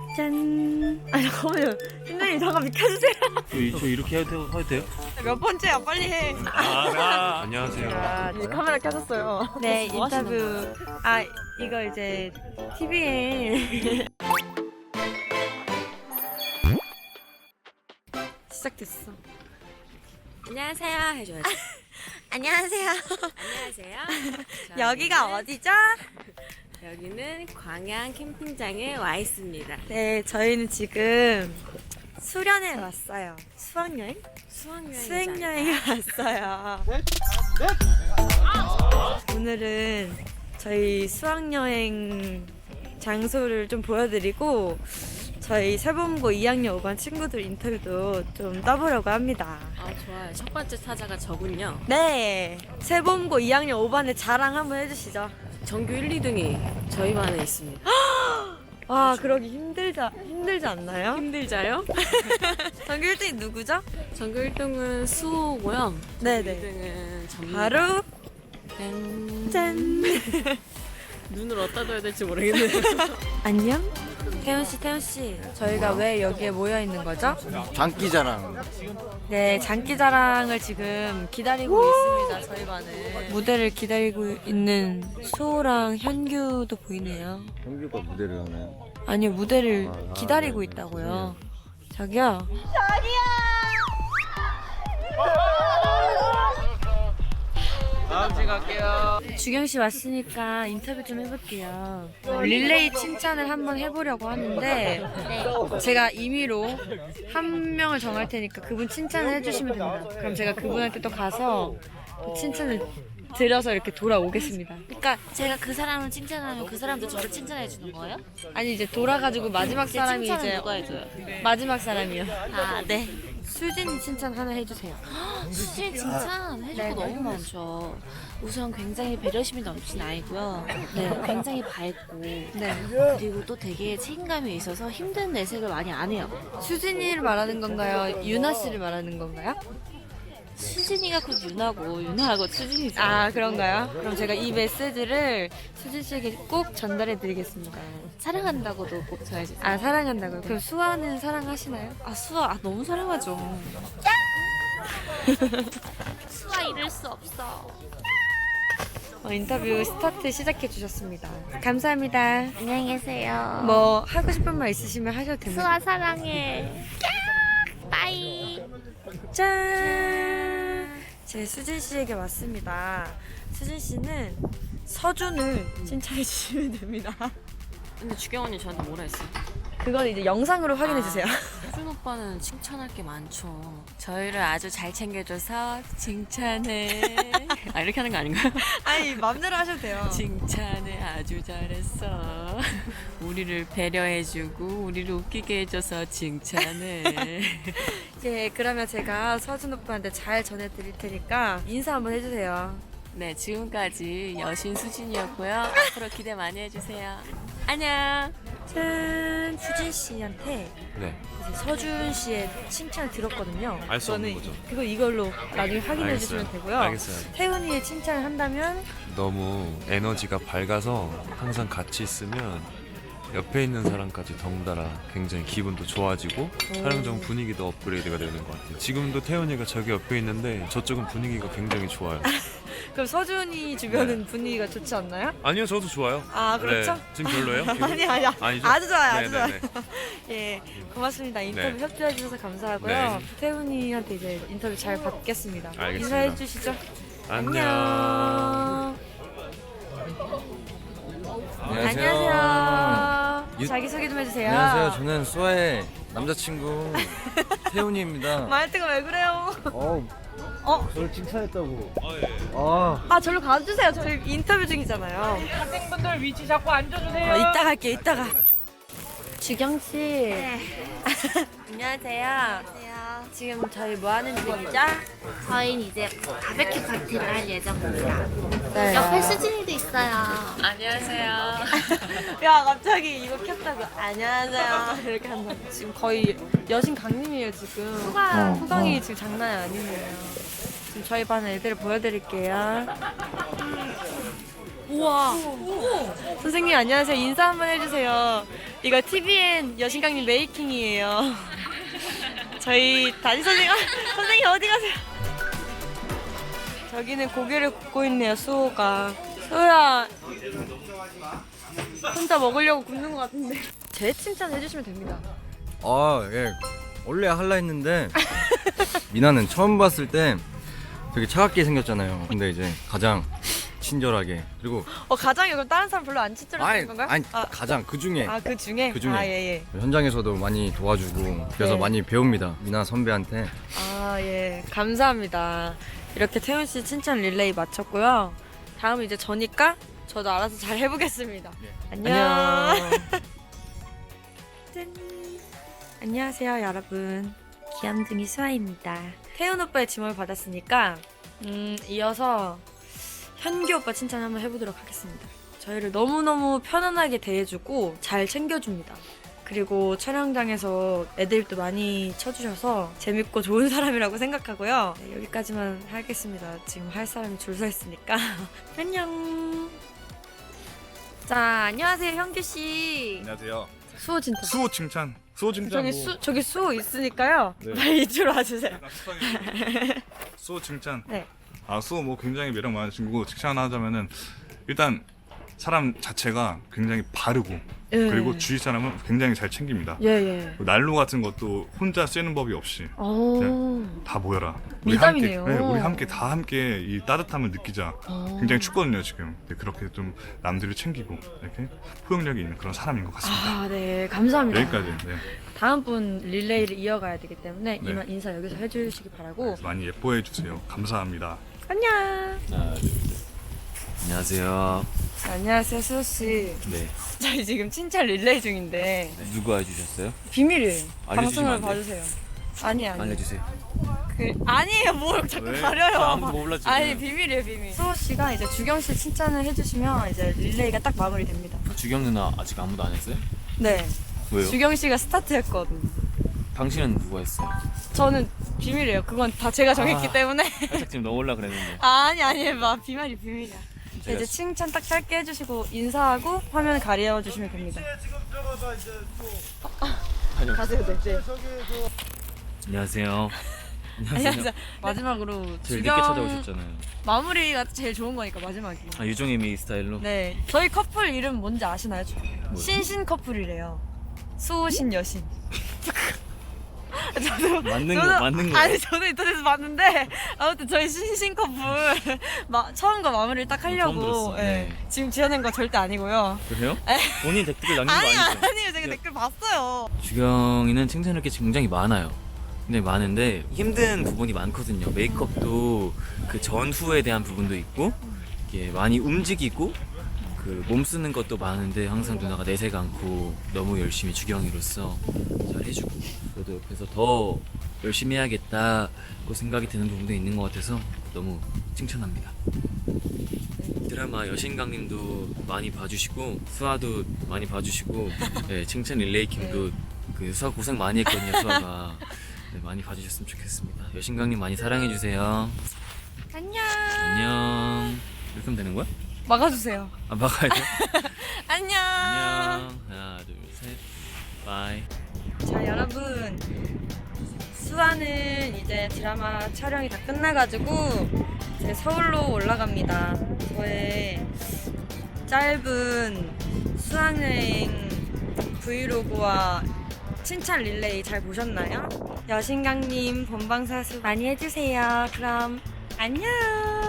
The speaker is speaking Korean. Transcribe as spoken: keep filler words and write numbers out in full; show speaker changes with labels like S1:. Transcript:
S1: 짠. 아 잠깐만요. 팀장님 잠깐 비켜주세요.
S2: 저, 저 이렇게 해도, 해도 돼요?
S1: 몇 번째야? 빨리 해.
S2: 아, 아, 안녕하세요.
S1: 아, 이제 카메라 켜졌어요. 네,
S3: 뭐
S1: 인터뷰. 아, 이거 이제 티비에 시작됐어.
S3: 안녕하세요 해줘야지.
S1: 안녕하세요.
S3: 안녕하세요.
S1: 여기가 어디죠?
S3: 여기는 광양 캠핑장에 와 있습니다.
S1: 네, 저희는 지금 수련회 왔어요. 수학여행?
S3: 수학여행.
S1: 수행여행에 왔어요. 오늘은 저희 수학여행 장소를 좀 보여드리고 저희 세범고 이 학년 오 반 친구들 인터뷰도 좀 떠보려고 합니다.
S3: 아 좋아요. 첫 번째 타자가 저군요.
S1: 네, 세범고 이 학년 오 반의 자랑 한번 해주시죠.
S3: 전교 일, 이 등이 저희 반에 있습니다.
S1: 와, 그러기 힘들자, 힘들지 않나요?
S3: 힘들자요?
S1: 전교 일 등이 누구죠?
S3: 전교 일 등은 수호고요.
S1: 네네.
S3: 이 등은 전미.
S1: 바로
S3: 짠.
S1: 짠.
S3: 눈을 어디다 둬야 될지 모르겠네요.
S1: 안녕. 태훈 씨, 태훈 씨, 저희가 왜 여기에 모여 있는 거죠?
S4: 장기자랑.
S1: 네, 장기자랑을 지금 기다리고 있습니다. 저희 반은 무대를 기다리고 있는 수호랑 현규도 보이네요.
S4: 형규가 무대를 하나요?
S1: 아니요, 무대를
S4: 아,
S1: 기다리고
S4: 네,
S1: 있다고요. 자기야.
S4: 다음 주 갈게요.
S1: 주경 씨 왔으니까 인터뷰 좀 해볼게요. 릴레이 칭찬을 한번 해보려고 하는데 제가 임의로 한 명을 정할 테니까 그분 칭찬을 해주시면 됩니다. 그럼 제가 그분한테 또 가서 또 칭찬을 드려서 이렇게 돌아오겠습니다.
S5: 그러니까 제가 그 사람을 칭찬하면 그 사람도 저를 칭찬해 주는 거예요?
S1: 아니 이제 돌아가지고 마지막
S5: 제
S1: 사람이
S5: 칭찬은
S1: 이제
S5: 누가 해줘요?
S1: 마지막 사람이요.
S5: 아, 네.
S1: 수진이 칭찬 하나 해주세요.
S5: 수진 칭찬 해줄
S1: 네.
S5: 거 너무 많죠. 우선 굉장히 배려심이 넘치는 아이고요. 네, 굉장히 밝고
S1: 네.
S5: 그리고 또 되게 책임감이 있어서 힘든 내색을 많이 안 해요.
S1: 수진이를 말하는 건가요? 유나 씨를 말하는 건가요?
S5: 수진이가 곧 유나고 유나하고 수진이죠.
S1: 아 그런가요? 그럼 제가 이 메시지를 수진 씨에게 꼭 전달해 드리겠습니다.
S5: 사랑한다고도 꼭 전해주세요.
S1: 아 사랑한다고요? 그럼 수아는 사랑하시나요?
S5: 아 수아 아, 너무 사랑하죠. 수아 잃을 수 없어.
S1: 어, 인터뷰 스타트 시작해 주셨습니다. 감사합니다.
S5: 안녕히 계세요.
S1: 뭐 하고 싶은 말 있으시면 하셔도 됩니다.
S5: 수아 사랑해. 빠이.
S1: 짠! 제 수진 씨에게 왔습니다. 수진 씨는 서준을 칭찬해 주시면 됩니다.
S3: 근데 주경 언니 저한테 뭐라 했어요?
S1: 그건 이제 영상으로 확인해 주세요.
S3: 수준 오빠는 칭찬할 게 많죠. 저희를 아주 잘 챙겨줘서 칭찬해. 아 이렇게 하는 거 아닌가요?
S1: 아니 맘대로 하셔도 돼요.
S3: 칭찬해 아주 잘했어. 우리를 배려해주고 우리를 웃기게 해줘서 칭찬해.
S1: 네, 그러면 제가 서준 오빠한테 잘 전해드릴 테니까 인사 한번 해주세요.
S3: 네 지금까지 여신 수진이었고요. 앞으로 기대 많이 해주세요. 안녕.
S1: 짠! 수진 씨한테
S2: 네.
S1: 이제 서준 씨의 칭찬을 들었거든요.
S2: 알수 없는
S1: 저는
S2: 거죠.
S1: 그거 이걸로 나중에 확인해
S2: 알겠어요.
S1: 주시면 되고요.
S2: 알겠어요.
S1: 태훈이의 칭찬을 한다면
S2: 너무 에너지가 밝아서 항상 같이 있으면 옆에 있는 사람까지 덩달아 굉장히 기분도 좋아지고 촬영장 분위기도 업그레이드가 되는 것 같아요. 지금도 태연이가 저기 옆에 있는데 저쪽은 분위기가 굉장히 좋아요.
S1: 그럼 서준이 주변은 분위기가 좋지 않나요?
S2: 아니요, 저도 좋아요.
S1: 아 그렇죠?
S2: 네, 지금 별로예요? 기분?
S1: 아니 아니
S2: 아니죠?
S1: 아주 좋아요 아주
S2: 네네네.
S1: 좋아요. 예 고맙습니다. 인터뷰
S2: 네.
S1: 협조해 주셔서 감사하고요.
S2: 네.
S1: 태훈이한테 이제 인터뷰 잘 받겠습니다.
S2: 알겠습니다.
S1: 인사해 주시죠.
S2: 안녕.
S1: 안녕하세요.
S4: 유-
S1: 자기소개 좀 해주세요.
S4: 안녕하세요. 저는 수아의 남자친구 태훈이입니다.
S1: 말투가 왜 그래요?
S4: 어,
S1: 어?
S4: 저를 칭찬했다고.
S2: 아, 예.
S4: 아,
S1: 아 절로 가주세요. 저희 인터뷰 중이잖아요.
S6: 학생분들 위치 잡고 앉아주세요.
S1: 어, 이따 갈게요. 이따가. 주경 씨.
S5: 네.
S1: 안녕하세요.
S5: 안녕하세요.
S1: 지금 저희 뭐 하는 중이죠?
S5: 저희는 이제 바베큐 파티를 할 예정입니다.
S1: 네.
S5: 옆에 수진이도 있어요.
S3: 안녕하세요.
S1: 야 갑자기 이거 켰다고 안녕하세요 이렇게 한다. 지금 거의 여신 강림이에요 지금.
S5: 후광.
S1: 후광이 지금 장난이 아니네요. 지금 저희 반 애들 보여드릴게요. 우와. 선생님 안녕하세요. 인사 한번 해주세요. 이거 티비엔 여신강님 메이킹이에요. 저희 담임 선생님, 아, 선생님 어디 가세요? 저기는 고기를 굽고 있네요. 수호가. 수호야. 혼자 먹으려고 굽는 것 같은데. 제 칭찬 해주시면 됩니다.
S4: 아, 예. 원래 할라 했는데 미나는 처음 봤을 때 되게 차갑게 생겼잖아요. 근데 이제 가장 친절하게 그리고
S1: 어 가장이 그럼 다른 사람 별로 안 친절하신
S4: 아니,
S1: 건가요?
S4: 아니
S1: 아,
S4: 가장 그 중에
S1: 아, 그 중에?
S4: 그 중에.
S1: 아, 예, 예.
S4: 현장에서도 많이 도와주고 그래서
S1: 네.
S4: 많이 배웁니다. 미나 선배한테.
S1: 아, 예. 감사합니다. 이렇게 태훈 씨 칭찬 릴레이 마쳤고요. 다음은 이제 저니까 저도 알아서 잘 해보겠습니다.
S4: 네.
S1: 안녕.
S4: 안녕.
S1: 짠. 안녕하세요, 여러분. 귀염둥이 수아입니다. 태훈 오빠의 지목을 받았으니까 음, 이어서 현규 오빠 칭찬 한번 해보도록 하겠습니다. 저희를 너무너무 편안하게 대해주고 잘 챙겨줍니다. 그리고 촬영장에서 애드립도 많이 쳐주셔서 재밌고 좋은 사람이라고 생각하고요. 네, 여기까지만 하겠습니다. 지금 할 사람이 줄 서 있으니까. 안녕. 자, 안녕하세요, 현규 씨.
S7: 안녕하세요.
S1: 수호 칭찬.
S7: 수호 칭찬. 수호 칭찬.
S1: 저기
S7: 뭐
S1: 수 저기 수호 있으니까요.
S7: 네.
S1: 빨리 이쪽으로 와주세요.
S7: 약간 수상해요. 수호 칭찬.
S1: 네.
S7: 아 수호 뭐 굉장히 매력 많은 친구고 칭찬 하자면은 일단 사람 자체가 굉장히 바르고
S1: 예.
S7: 그리고 주위 사람을 굉장히 잘 챙깁니다.
S1: 예 예.
S7: 난로 같은 것도 혼자 쐬는 법이 없이
S1: 오.
S7: 다 모여라. 우리
S1: 미담이네요.
S7: 함께, 네, 우리 함께 다 함께 이 따뜻함을 느끼자.
S1: 오.
S7: 굉장히 춥거든요 지금. 네, 그렇게 좀 남들을 챙기고 이렇게 포용력이 있는 그런 사람인 것 같습니다.
S1: 아, 네. 감사합니다.
S7: 여기까지. 네.
S1: 다음 분 릴레이를 이어가야 되기 때문에
S7: 네.
S1: 이만 인사 여기서 해주시기 바라고.
S7: 많이 예뻐해 주세요. 감사합니다.
S1: 안녕.
S2: 안녕하세요.
S1: 자, 안녕하세요, 수호 씨.
S2: 네.
S1: 저희 지금 칭찬 릴레이 중인데
S2: 누가 해주셨어요?
S1: 비밀이에요.
S2: 알려주시면
S1: 방송을
S2: 안 돼요?
S1: 봐주세요. 아니 아니.
S2: 알려주세요.
S1: 그 아니에요. 뭘 자꾸
S7: 왜?
S1: 가려요.
S2: 아무도 몰랐지.
S1: 아니 비밀이에요 비밀. 수호 씨가 이제 주경 씨 칭찬을 해주시면 이제 릴레이가 딱 마무리됩니다.
S2: 주경 누나 아직 아무도 안 했어요?
S1: 네.
S2: 왜요?
S1: 주경 씨가 스타트했거든.
S2: 당신은 누가 했어요?
S1: 저는 비밀이에요. 그건 다 제가 정했기
S2: 아.
S1: 때문에.
S2: 살짝 지금 넣으려 그랬는데.
S1: 아니 아니 막 비밀이 비밀이야.
S2: 제가
S1: 이제 칭찬 딱 짧게 해주시고 인사하고 화면 가려 주시면 됩니다.
S2: 다녀오세요.
S1: 가세요, 네. 네.
S2: 안녕하세요.
S1: 안녕하세요. 마지막으로
S2: 제일
S1: 주경
S2: 늦게 찾아오셨잖아요.
S1: 마무리가 제일 좋은 거니까 마지막이.
S2: 아 유종의미 스타일로.
S1: 네. 저희 커플 이름 뭔지 아시나요? 신신 커플이래요. 수호신 여신. 저도
S2: 맞는 거
S1: 저도-
S2: 맞는 거.
S1: 아니 저도 인터넷에서 봤는데 아무튼 저희 신신 커플 마, 처음과 마무리를 딱 하려고
S2: 처음 들었어.
S1: 예.
S2: 네.
S1: 지금 지어낸 거 절대 아니고요.
S2: 그래요?
S1: 에.
S2: 본인 댓글 남긴 거
S1: 아니
S2: 아니죠?
S1: 아니요 제가 댓글 봤어요.
S2: 주경이는 칭찬할 게 굉장히 많아요. 근데 많은데 힘든 부분이 많거든요. 메이크업도 그 전후에 대한 부분도 있고 이게 많이 움직이고 그 몸 쓰는 것도 많은데 항상 누나가 내색 않고 너무 열심히 주경이로서 잘 해주고 저도 옆에서 더 열심히 해야겠다고 생각이 드는 부분도 있는 것 같아서 너무 칭찬합니다. 드라마 여신강님도 많이 봐주시고 수아도 많이 봐주시고 네, 칭찬 릴레이킹도 그 수아 고생 많이 했거든요. 수아가 네, 많이 봐주셨으면 좋겠습니다. 여신강님 많이 사랑해주세요.
S1: 안녕.
S2: 안녕. 이렇게 하면 되는 거야?
S1: 막아주세요.
S2: 아 막아야 돼?
S1: 안녕.
S2: 안녕. 하나 둘셋 바이.
S1: 자 여러분 수아는 이제 드라마 촬영이 다 끝나가지고 이제 서울로 올라갑니다. 저의 짧은 수학여행 브이로그와 칭찬 릴레이 잘 보셨나요? 여신강님 본방사수 많이 해주세요. 그럼 안녕.